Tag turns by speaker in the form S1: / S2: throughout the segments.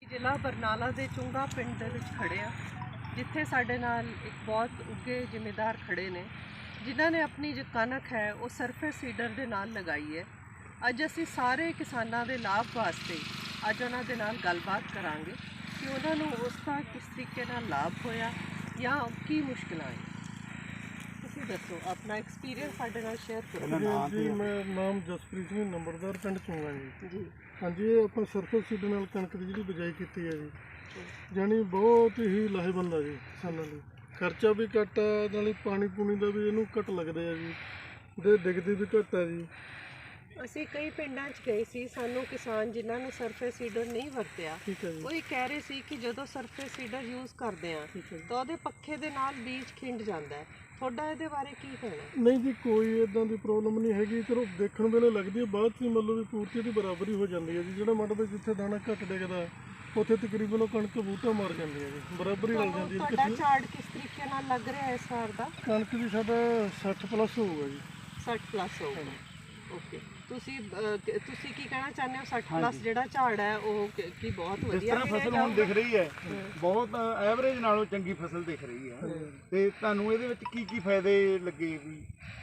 S1: ਜ਼ਿਲ੍ਹਾ ਬਰਨਾਲਾ ਦੇ ਚੁੰਗਾ ਪਿੰਡ ਦੇ ਵਿੱਚ ਖੜੇ ਆ, ਜਿੱਥੇ ਸਾਡੇ ਨਾਲ ਇੱਕ ਬਹੁਤ ਉੱਘੇ ਜ਼ਿਮੀਂਦਾਰ ਖੜੇ ਨੇ ਜਿਨ੍ਹਾਂ ਨੇ ਆਪਣੀ ਜੋ ਕਣਕ ਹੈ ਉਹ ਸਰਫੇਸ ਸੀਡਰ ਦੇ ਨਾਲ ਲਗਾਈ ਹੈ। ਅੱਜ ਅਸੀਂ ਸਾਰੇ ਕਿਸਾਨਾਂ ਦੇ ਲਾਭ ਵਾਸਤੇ ਅੱਜ ਉਹਨਾਂ ਦੇ ਨਾਲ ਗੱਲਬਾਤ ਕਰਾਂਗੇ ਕਿ ਉਹਨਾਂ ਨੂੰ ਉਸ ਦਾ ਕਿਸ ਤਰੀਕੇ ਨਾਲ ਲਾਭ ਹੋਇਆ ਜਾਂ ਕੀ ਮੁਸ਼ਕਿਲਾਂ ਆਈ। ਤੁਸੀਂ ਦੱਸੋ ਆਪਣਾ ਐਕਸਪੀਰੀਅੰਸ ਸਾਡੇ ਨਾਲ ਸ਼ੇਅਰ ਕਰੋ।
S2: ਜੀ ਮੈਂ ਨਾਮ ਜਸਪ੍ਰੀਤ ਸਿੰਘ, ਨੰਬਰਦਾਰ ਪਿੰਡ ਚੁੰਗਾ ਜੀ। ਹਾਂਜੀ, ਇਹ ਆਪਾਂ ਸਰਫੇਸ ਸੀਡਰ ਨਾਲ ਕਣਕ ਦੀ ਜਿਹੜੀ ਬਿਜਾਈ ਕੀਤੀ ਹੈ ਜੀ, ਜਾਣੀ ਬਹੁਤ ਹੀ ਲਾਹੇਵੰਦ ਆ ਜੀ ਕਿਸਾਨਾਂ ਲਈ। ਖਰਚਾ ਵੀ ਘੱਟ ਆ, ਨਾਲੇ ਪਾਣੀ ਪੂਣੀ ਦਾ ਵੀ ਇਹਨੂੰ ਘੱਟ ਲੱਗਦਾ ਹੈ ਜੀ, ਤੇ ਡਿੱਗਦੀ ਵੀ ਘੱਟ ਹੈ ਜੀ।
S1: ਅਸੀਂ ਕਈ ਪਿੰਡਾਂ 'ਚ ਗਏ ਸੀ, ਸਾਨੂੰ ਕਿਸਾਨ ਜਿਨ੍ਹਾਂ ਨੇ ਸਰਫੇਸ ਸੀਡਰ ਨਹੀਂ ਵਰਤਿਆ ਉਹ ਇਹ ਕਹਿ ਰਹੇ ਸੀ ਕਿ ਜਦੋਂ ਸਰਫੇਸ ਸੀਡਰ ਯੂਜ਼ ਕਰਦੇ ਆ ਤਾਂ ਉਹਦੇ ਪੱਖੇ ਦੇ ਨਾਲ ਬੀਜ ਖਿੰਡ ਜਾਂਦਾ ਹੈ। ਤੁਹਾਡਾ ਇਹਦੇ ਬਾਰੇ ਕੀ ਕਹਿਣਾ?
S2: ਨਹੀਂ ਜੀ, ਕੋਈ ਇਦਾਂ ਦੀ ਪ੍ਰੋਬਲਮ ਨਹੀਂ ਹੈਗੀ। ਚਲੋ ਦੇਖਣ ਵੇਲੇ ਲੱਗਦੀ ਹੈ, ਬਾਅਦ 'ਚ ਮਤਲਬ ਵੀ ਪੂਰਤੀ ਦੀ ਬਰਾਬਰੀ ਹੋ ਜਾਂਦੀ ਹੈ ਜੀ। ਜਿਹੜਾ ਮੱਡ ਵਿੱਚ ਜਿੱਥੇ ਦਾਣਾ ਘੱਟ ਡਿੱਗਦਾ ਉੱਥੇ ਤਕਰੀਬਨ ਉਹ ਕਣਕ ਬੂਟਾ ਮਾਰ ਜਾਂਦੀ ਹੈ ਜੀ, ਬਰਾਬਰੀ ਰਲ ਜਾਂਦੀ ਹੈ।
S1: ਤੁਹਾਡਾ ਝਾੜ ਕਿਸ ਤਰੀਕੇ ਨਾਲ ਲੱਗ ਰਿਹਾ ਇਸ ਵਾਰ ਦਾ?
S2: ਕਣਕ ਜੀ ਸਾਡਾ 60 ਪਲੱਸ ਹੋਊਗਾ ਜੀ।
S1: 60 ਪਲੱਸ ਹੋਊਗਾ। ਓਕੇ, ਤੁਸੀਂ ਕੀ ਕਹਿਣਾ ਚਾਹੁੰਦੇ ਹੋ? 60 ਪਲੱਸ ਜਿਹੜਾ ਝਾੜ ਹੈ ਉਹ ਕੀ ਬਹੁਤ ਵਧੀਆ?
S3: ਜਿਸ ਤਰ੍ਹਾਂ ਫਸਲ ਹੁਣ ਦਿਖ ਰਹੀ ਹੈ, ਬਹੁਤ ਐਵਰੇਜ ਨਾਲੋਂ ਚੰਗੀ ਫਸਲ ਦਿਖ ਰਹੀ ਹੈ। ਤੇ ਤੁਹਾਨੂੰ ਇਹਦੇ ਵਿੱਚ ਕੀ ਕੀ ਫਾਇਦੇ ਲੱਗੇ? ਵੀ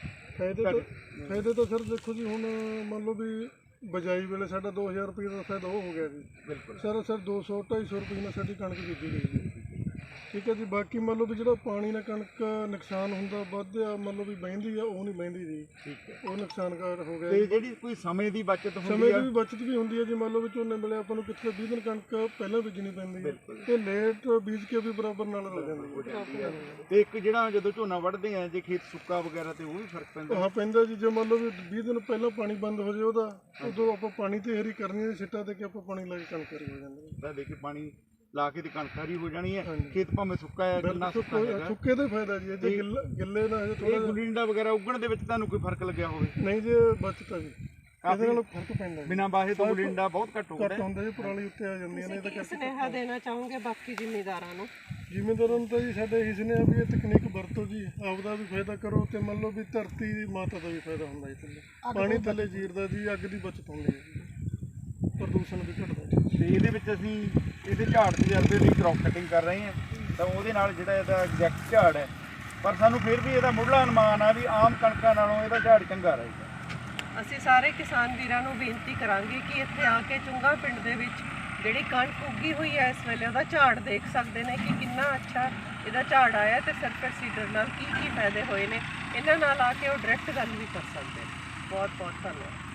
S2: ਫਾਇਦੇ ਤਾਂ ਸਰ ਦੇਖੋ ਜੀ, ਹੁਣ ਮੰਨ ਲਓ ਵੀ ਬਜਾਈ ਵੇਲੇ ਸਾਡਾ 2000 ਰੁਪਏ ਦਾ ਫਾਇਦਾ ਉਹ ਹੋ ਗਿਆ ਜੀ।
S3: ਬਿਲਕੁਲ
S2: ਸਰ 200-250 ਰੁਪਏ ਨਾਲ ਸਾਡੀ ਕਣਕ ਬੀਜੀ ਗਈ ਜੀ। ਠੀਕ ਹੈ ਜੀ। ਬਾਕੀ ਮੰਨ ਲਓ ਵੀ ਜਿਹੜਾ ਪਾਣੀ ਨਾਲ ਕਣਕ ਨੁਕਸਾਨ ਹੁੰਦਾ ਵੱਧਿਆ, ਮੰਨ ਲਓ ਵੀ ਬਹਿੰਦੀ ਆ, ਉਹ ਨਹੀਂ ਬਹਿੰਦੀ ਜੀ।
S3: ਠੀਕ ਹੈ।
S2: ਉਹ ਨੁਕਸਾਨਕਾਰ ਹੋ ਗਿਆ।
S3: ਤੇ ਜਿਹੜੀ ਕੋਈ ਸਮੇਂ ਦੀ ਬਚਤ ਹੁੰਦੀ
S2: ਸਮੇਂ
S3: ਹੈ,
S2: ਦੀ ਵੀ ਬਚਤ ਵੀ ਹੁੰਦੀ ਹੈ ਜੀ। ਮੰਨ ਲਓ ਵੀ ਝੋਨੇ ਵੇਲੇ ਆਪਾਂ ਨੂੰ ਕਿਤੇ 20 ਦਿਨ ਕਣਕ ਪਹਿਲਾਂ ਬੀਜਣੀ ਪੈਂਦੀ ਹੈ ਤੇ ਲੇਟ ਬੀਜ ਕੇ ਵੀ ਬਰਾਬਰ ਨਾਲ ਰਲ ਜਾਂਦੀ ਹੈ।
S3: ਤੇ ਇੱਕ ਜਿਹੜਾ ਜਦੋਂ ਝੋਨਾ ਵੱਢਦੇ ਆ, ਜੇ ਖੇਤ ਸੁੱਕਾ ਵਗੈਰਾ ਤੇ ਉਹ ਵੀ ਫਰਕ ਪੈਂਦਾ?
S2: ਹਾਂ, ਪੈਂਦਾ ਜੀ। ਜੇ ਮੰਨ ਲਓ ਵੀ 20 ਦਿਨ ਪਹਿਲਾਂ ਪਾਣੀ ਬੰਦ ਹੋ ਜਾਏ ਉਹਦਾ, ਉਦੋਂ ਆਪਾਂ ਪਾਣੀ ਤੇ ਹਰੀ ਕਰਨੀ ਹੈ, ਸਿੱਟਾ ਦੇ ਕੇ ਆਪਾਂ ਪਾਣੀ ਲਾ ਕੇ ਕਣਕ ਹਰੀ ਹੋ ਜਾਂਦੀ ਹੈ।
S3: ਦੇ ਕੇ ਪਾਣੀ ਲਾ ਕੇ ਤੇ ਕਣਕ ਹਰੀ ਹੋ ਜਾਣੀ ਹੈ। ਖੇਤ ਭਾਵੇਂ ਸੁੱਕਾ ਹੈ, ਕਿੰਨਾ ਸੁੱਕਾ ਹੈਗਾ,
S2: ਸੁੱਕੇ ਦਾ ਫਾਇਦਾ ਜੀ। ਜੇ ਗਿੱਲੇ ਦਾ
S3: ਇਹ ਗੁੱਲੀ ਡੰਡਾ ਵਗੈਰਾ ਉੱਗਣ ਦੇ ਵਿੱਚ ਤੁਹਾਨੂੰ ਕੋਈ ਫਰਕ ਲੱਗਿਆ ਹੋਵੇ?
S2: ਨਹੀਂ ਜੀ, ਬਚਤਾ ਜੀ। ਇਹਦੇ ਨਾਲ ਫਰਕ ਪੈਂਦਾ।
S3: ਬਿਨਾਂ ਬਾਹੇ ਤੋਂ ਗੁੱਲੀ ਡੰਡਾ ਬਹੁਤ ਘੱਟ
S2: ਹੁੰਦਾ ਜੀ, ਪਰਾਲੀ ਉੱਤੇ ਆ ਜਾਂਦੀਆਂ ਨੇ। ਇਹਦਾ
S1: ਕੀ ਸੁਨੇਹਾ ਦੇਣਾ ਚਾਹੋਗੇ ਬਾਕੀ ਜ਼ਿਮੀਂਦਾਰਾਂ ਨੂੰ?
S2: ਜ਼ਿਮੀਂਦਾਰਾਂ ਨੂੰ ਤਾਂ ਜੀ ਸਾਡੇ ਇਹੀ ਸੁਨੇਹਾ ਵੀ ਇਹ ਤਕਨੀਕ ਵਰਤੋ ਜੀ, ਆਪਦਾ ਵੀ ਫਾਇਦਾ ਕਰੋ ਤੇ ਮੰਨ ਲਓ ਵੀ ਧਰਤੀ ਦੀ ਮਾਤਾ ਦਾ ਵੀ ਫਾਇਦਾ ਹੁੰਦਾ ਜੀ। ਥੱਲੇ ਪਾਣੀ ਥੱਲੇ ਜੀਰਦਾ ਜੀ, ਅੱਗ ਦੀ ਬਚਤ ਹੁੰਦੀ ਹੈ ਜੀ, ਪ੍ਰਦੂਸ਼ਣ ਵੀ ਘਟਦਾ ਜੀ।
S3: ਤੇ ਇਹਦੇ ਵਿੱਚ ਅਸੀਂ ਇਹਦੇ ਝਾੜ ਤਜਰਬੇ ਦੀ ਕ੍ਰੌਪ ਕਟਿੰਗ ਕਰ ਰਹੇ ਹਾਂ, ਤਾਂ ਉਹਦੇ ਨਾਲ ਜਿਹੜਾ ਇਹਦਾ ਐਗਜ਼ੈਕਟ ਝਾੜ ਹੈ, ਪਰ ਸਾਨੂੰ ਫਿਰ ਵੀ ਇਹਦਾ ਮੁੱਢਲਾ ਅਨੁਮਾਨ ਆ ਵੀ ਆਮ ਕਣਕਾਂ ਨਾਲੋਂ ਇਹਦਾ ਝਾੜ ਚੰਗਾ ਰਹੇਗਾ।
S1: ਅਸੀਂ ਸਾਰੇ ਕਿਸਾਨ ਵੀਰਾਂ ਨੂੰ ਬੇਨਤੀ ਕਰਾਂਗੇ ਕਿ ਇੱਥੇ ਆ ਕੇ ਚੁੰਗਾ ਪਿੰਡ ਦੇ ਵਿੱਚ ਜਿਹੜੀ ਕਣਕ ਉੱਗੀ ਹੋਈ ਹੈ ਇਸ ਵੇਲੇ ਉਹਦਾ ਝਾੜ ਦੇਖ ਸਕਦੇ ਨੇ ਕਿ ਕਿੰਨਾ ਅੱਛਾ ਇਹਦਾ ਝਾੜ ਆਇਆ ਤੇ ਸਰਫੇਸ ਸੀਡਰ ਨਾਲ ਕੀ ਕੀ ਫਾਇਦੇ ਹੋਏ ਨੇ। ਇਹਨਾਂ ਨਾਲ ਆ ਕੇ ਉਹ ਡਾਇਰੈਕਟ ਗੱਲ ਵੀ ਕਰ ਸਕਦੇ ਨੇ। ਬਹੁਤ ਬਹੁਤ ਧੰਨਵਾਦ।